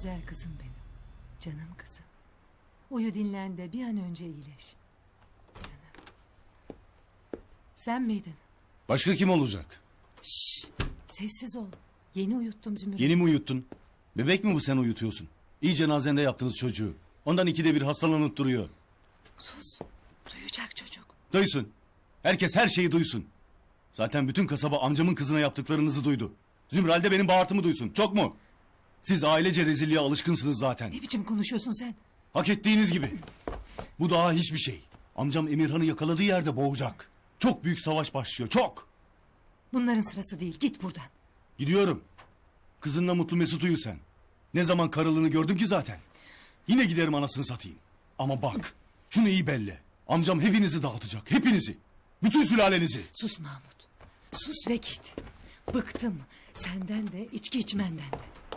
Güzel kızım benim. Canım kızım. Uyu dinlen de bir an önce iyileş. Canım. Sen miydin? Başka kim olacak? Şşş. Sessiz ol. Yeni uyuttum Zümrüt'ü. Yeni mi uyuttun? Bebek mi bu, sen uyutuyorsun? İyi cenazende yaptınız çocuğu. Ondan ikide bir hastalanıp duruyor. Sus. Duyacak çocuk. Duysun. Herkes her şeyi duysun. Zaten bütün kasaba amcamın kızına yaptıklarınızı duydu. Zümral de benim bağırtımı duysun. Çok mu? Siz ailece rezilliğe alışkınsınız zaten. Ne biçim konuşuyorsun sen? Hak ettiğiniz gibi. Bu daha hiçbir şey. Amcam Emirhan'ı yakaladığı yerde boğacak. Çok büyük savaş başlıyor. Çok. Bunların sırası değil. Git buradan. Gidiyorum. Kızınla mutlu mesut uyu sen. Ne zaman karılığını gördüm ki zaten. Yine giderim anasını satayım. Ama bak, şunu iyi belli. Amcam hepinizi dağıtacak. Hepinizi. Bütün sülalenizi. Sus Mahmut. Sus ve git. Bıktım. Senden de içki içmenden de.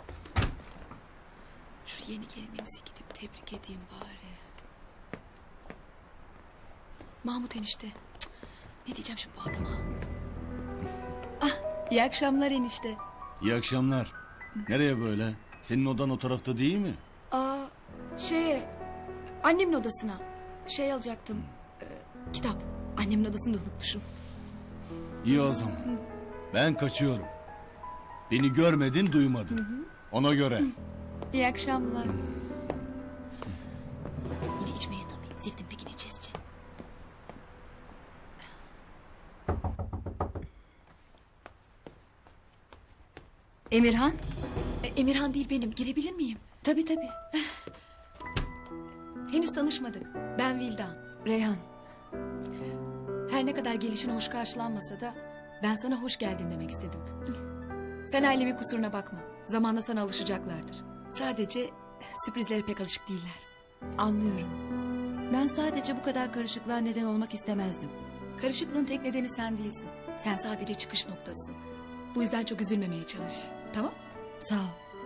Şu yeni gelinimizi gidip tebrik edeyim bari. Mahmut enişte. Cık, ne diyeceğim şimdi bu adama? İyi akşamlar enişte. İyi akşamlar. Nereye böyle? Senin odan o tarafta değil mi? Annemin odasına alacaktım. Kitap. Annemin odasını unutmuşum. İyi o zaman. Ben kaçıyorum. Beni görmedin, duymadın. Ona göre. İyi akşamlar. Yine içmeye tabii. Ziftin pekini içeceğiz. Emirhan? Emirhan değil benim. Girebilir miyim? Tabii. Henüz tanışmadık. Ben Vildan. Reyhan. Her ne kadar gelişine hoş karşılanmasa da ben sana hoş geldin demek istedim. Sen ailemin kusuruna bakma. Zamanla sana alışacaklardır. Sadece sürprizlere pek alışık değiller. Anlıyorum. Ben sadece bu kadar karışıklığa neden olmak istemezdim. Karışıklığın tek nedeni sen değilsin. Sen sadece çıkış noktasısın. Bu yüzden çok üzülmemeye çalış. Tamam? Sağ ol.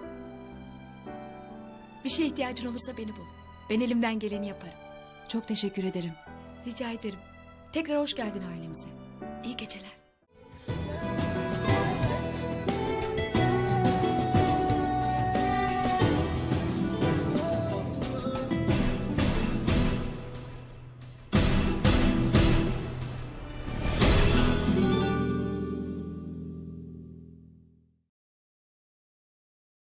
Bir şeye ihtiyacın olursa beni bul. Ben elimden geleni yaparım. Çok teşekkür ederim. Rica ederim. Tekrar hoş geldin ailemize. İyi geceler.